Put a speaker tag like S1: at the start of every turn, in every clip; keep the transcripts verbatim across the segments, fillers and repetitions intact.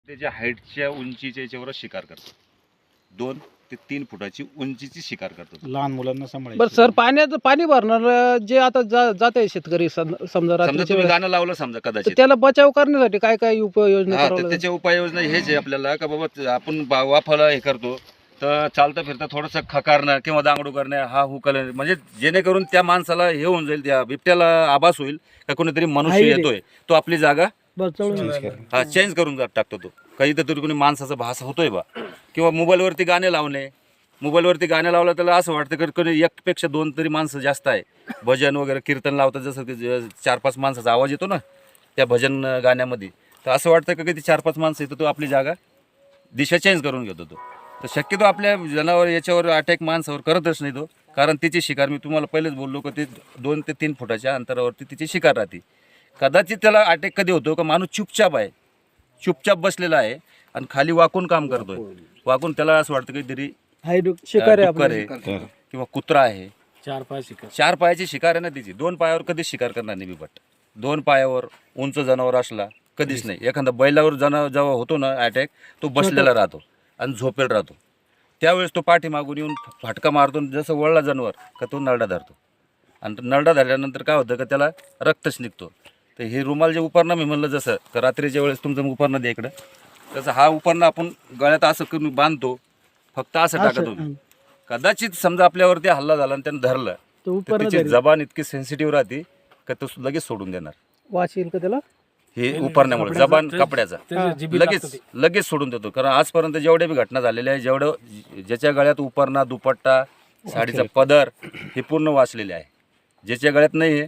S1: त्याच्या हाईटच्या उंचीच्या याच्यावर शिकार करतात. दोन ते तीन फुटाची उंचीची शिकार करतात.
S2: लहान मुलांना सांभाळायचं.
S3: बरं सर, पाण्याचं पाणी भरणार जे आता जा जात आहे शेतकरी सम- समजा
S1: समजा
S3: रात्रीच्या
S1: तुम्ही
S3: वेळेस,
S1: गाणं लावलं समजा
S3: तर
S1: कदाचित,
S3: त्याला बचाव करण्यासाठी काय काय उपाययोजना
S1: हा
S3: करावं
S1: तर
S3: लागेल?
S1: त्याच्या उपाययोजना हेच आहे आपल्याला का बाबा आपण बा- वाफाला हे करतो तर चालता फिरता थोडंसं खकारणं किंवा दांगडू करणं, हा हुकलं, म्हणजे जेणेकरून त्या माणसाला हे होऊन जाईल, त्या बिबट्याला आभास होईल का कोणीतरी मनुष्य
S3: आहे रे.
S1: येतोय, तो आपली जागा
S3: बचाव
S1: हा चेंज करून जा- टाकतो. तो काही तर तरी कोणी माणसाचा भास होतोय बा. किंवा मोबाईलवरती गाणे लावणे, मोबाईलवरती गाणे लावलं त्याला असं वाटतं की कोणी एकपेक्षा दोन तरी माणसं जास्त आहे. भजन वगैरे कीर्तन लावतात, जसं की ज- चार पाच माणसाचा आवाज येतो ना त्या भजन गाण्यामध्ये, तर असं वाटतं का किती चार पाच माणसं येतो, तो आपली जागा दिशा चेंज करून घेतो. तो तर शक्यतो आपल्या जनावर याच्यावर अटॅक माणसावर करतच नाही तो, कारण तिची शिकार मी तुम्हाला पहिलेच बोललो की ते दोन ते तीन फुटाच्या अंतरावरती तिची शिकार राहते. कदाचित त्याला अटॅक कधी होतो का माणूस चुपचाप आहे, चुपचाप बसलेला आहे आणि खाली वाकून काम करतोय, वाकून त्याला असं वाटतं काहीतरी
S3: शिकार आहे
S1: डुक्कर
S3: आपलं.
S1: आहे किंवा कुत्रा आहे.
S2: चार पाच शिकार.
S1: चार पायाची शिकार आहे ना तिची, दोन पायावर कधीच शिकार करणार नाही बिबट. दोन पायावर उंच जनावर असला कधीच नाही. एखादा बैलावर जनावर जेव्हा होतो ना अटॅक, तो बसलेला राहतो आणि झोपेल राहतो. त्यावेळेस तो पाठीमागून येऊन फाटका मारतो, जसं वळला जनावर का तो नरडा धरतो, आणि नरडा धरल्यानंतर काय होतं का त्याला रक्तच निघतो. तर हे रुमाल जे उपरणं मी म्हणलं, जसं का रात्रीच्या वेळेस तुमचं उपरणं द्या इकडं, तसं हा उपरणं आपण गळ्यात असं करून बांधतो, फक्त असं टाका तुम्ही. कदाचित समजा आपल्यावरती हल्ला झाला आणि त्यानं धरलं तर तिची जबान इतकी सेन्सिटिव्ह राहते का तो लगेच सोडून देणार.
S3: वाच येईल का त्याला?
S1: हे उपरण्यामुळे जबान कपड्याचा लगेच लगेच सोडून देतो. कारण आजपर्यंत जेवढ्या बी घटना झालेल्या आहे, जेवढं ज्याच्या गळ्यात उपरणा, दुपट्टा, साडीचा पदर हे पूर्ण वाचलेले आहे. ज्याच्या गळ्यात नाही आहे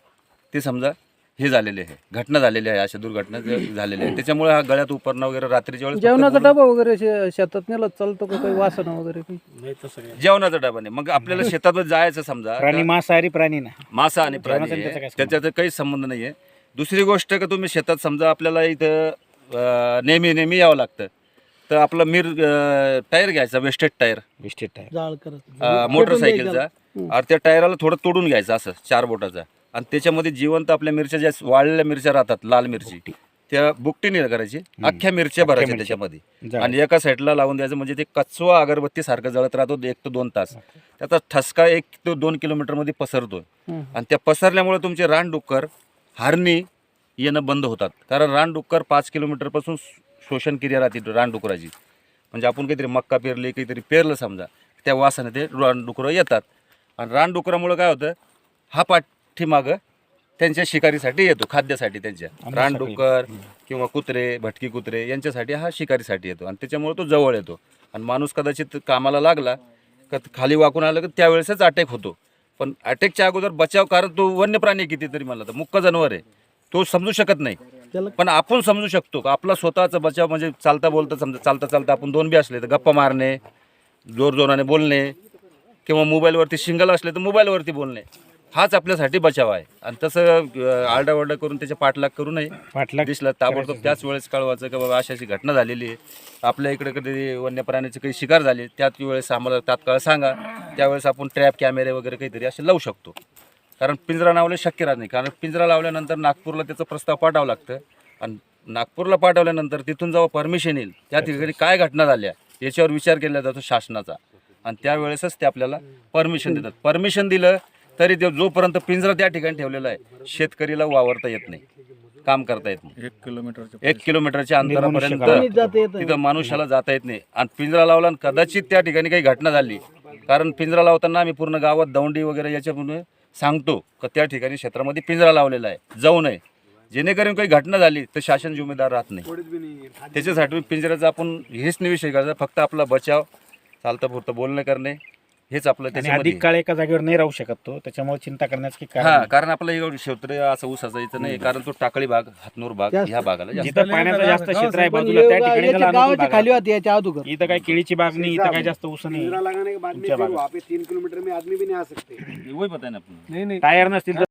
S1: ते समजा हे झालेले आहे, घटना झालेली आहे, अशा दुर्घटना झालेल्या आहे. त्याच्यामुळे हा गळ्यात उपरणं वगैरे रात्रीच्या वेळेस
S3: जेवणाचा डबा वगैरे शे- शेतात नेला चालतो का? काही वासना वगैरे काही?
S2: नाही तसं काय.
S1: जेवणाचा डबा नाही. मग आपल्याला शेतात जायचं समजा,
S2: प्राणी मांसाहारी प्राणी ना.
S1: मासा आणि प्राणी
S2: जेवणाचा आणि त्याचा
S1: आहे,
S2: काय
S1: त्याच्यात काहीच संबंध नाही आहे. दुसरी गोष्ट का तुम्ही शेतात समजा आपल्याला इथं अं, नेहमी नेहमी यावं लागतं, तर आपलं मिर अं, टायर घ्यायचा, वेस्टेड टायर
S2: विस्टेट आहे.
S3: जाळ करत
S1: अं, मोटरसायकलचा, आणि त्या टायराला थोडं तोडून घ्यायचं असं चार बोटाचा, आणि त्याच्यामध्ये जिवंत आपल्या मिरच्या ज्या वाळलेल्या मिरच्या राहतात, लाल मिरची, त्या बुकटीने करायची, अख्ख्या मिरच्या भरायच्या त्याच्यामध्ये आणि एका साईडला लावून द्यायचं. म्हणजे ते कचवा अगरबत्ती सारखं जळत राहतो एक ते दोन तास. त्याचा ठसका एक ते दोन किलोमीटर मध्ये पसरतो, आणि त्या पसरल्यामुळे तुमचे रानडुक्कर, हरणी येणं बंद होतात. कारण रानडुक्कर पाच किलोमीटर पासून शोषण क्रिया राहते रानडुकराची. म्हणजे आपण काहीतरी मक्का पेरले, काहीतरी पेरलं समजा, त्या वासाने ते रानडुकरं येतात, आणि रानडुकरामुळे काय होतं, हा पाठीमागं त्यांच्या शिकारीसाठी येतो, खाद्यासाठी त्यांच्या. रानडुक्कर किंवा कुत्रे, भटकी कुत्रे यांच्यासाठी हा शिकारीसाठी येतो, आणि त्याच्यामुळे तो जवळ येतो. आणि माणूस कदाचित कामाला लागला का खाली वाकून आलं की त्यावेळेसच अटॅक होतो. पण अटॅकच्या अगोदर बचाव, कारण तो वन्य प्राणी किती तरी म्हणला तर मुक्क जनावर आहे, तो समजू शकत नाही. पण आपण समजू शकतो का आपला स्वतःचा बचाव. म्हणजे चालता बोलता समजा, चालता चालता आपण दोन बी असले तर गप्पा मारणे, जोर जोराने बोलणे, किंवा मोबाईलवरती सिंगल असले तर मोबाईलवरती बोलणे, हाच आपल्यासाठी बचाव आहे. आणि तसं आरडाओरडा करून त्याच्या पाठलाग करू नये.
S2: पाठलाग
S1: दिसला ताबडतोब त्याच वेळेस कळवायचं की बाबा अशी अशी घटना झालेली आहे, आपल्या इकडे कधी वन्य प्राण्याची काही शिकार झाली, त्याच वेळेस आम्हाला तात्काळ सांगा. त्यावेळेस आपण ट्रॅप कॅमेरे वगैरे काहीतरी असे लावू शकतो. कारण पिंजरा लावले शक्य राहत नाही, कारण पिंजरा लावल्यानंतर नागपूरला त्याचा प्रस्ताव पाठवावं लागतं, आणि नागपूरला पाठवल्यानंतर तिथून जेव्हा परमिशन येईल त्या ठिकाणी काय घटना झाल्या याच्यावर विचार केला जातो शासनाचा, आणि त्यावेळेसच ते आपल्याला परमिशन देतात. परमिशन दिलं तरी ते जोपर्यंत पिंजरा त्या ठिकाणी ठेवलेला आहे, शेतकरीला वावरता येत नाही, काम करता येत नाही. एक किलोमीटर एक किलोमीटरच्या अंतरापर्यंत तिथं मनुष्याला जाता येत नाही. आणि पिंजरा लावला आणि कदाचित त्या ठिकाणी काही घटना झाली, कारण पिंजरा लावताना आम्ही पूर्ण गावात दौंडी वगैरे याच्यामुळे सांगतो का त्या ठिकाणी क्षेत्रामध्ये पिंजरा लावलेला आहे, जाऊ नये. जेणेकरून काही घटना झाली तर शासन जिम्मेदार राहत नाही. त्याच्यासाठी पिंजऱ्याचा आपण हेच नाही विषय करायचा, फक्त आपला बचाव, चालतं पुरतं बोलणं करणे, हेच आपलं. त्याच्यामध्ये
S2: अधिक काळ एका जागेवर नाही राहू शकत तो, त्याच्यामुळे चिंता करण्याचं की
S1: हा,
S2: कारण
S1: कारण आपलं एवढं क्षेत्र असं ऊसाचं इथं नाही, कारण तो टाकळी भाग, हातनूर भाग ह्या भागाला जास्त.
S2: जिथं पाण्याचं जास्त क्षेत्र आहे बाजूला त्या ठिकाणी त्याला अनुकूल
S3: गावाच्या
S2: भाग
S3: खाली
S2: आहे.
S3: होती याच्या अगोदर.
S2: इथं काही केळीची बाग नाही, इथं काही जास्त ऊस नाही.
S4: लगाने के बाद में
S2: तुमच्या
S4: फिर
S2: भागात.
S4: वहाँ पे तीन किलोमीटर में आदमी भी नहीं आ सकते।
S1: वही पता है ना आपण.
S3: नाही नाही
S2: टायर नसतील तर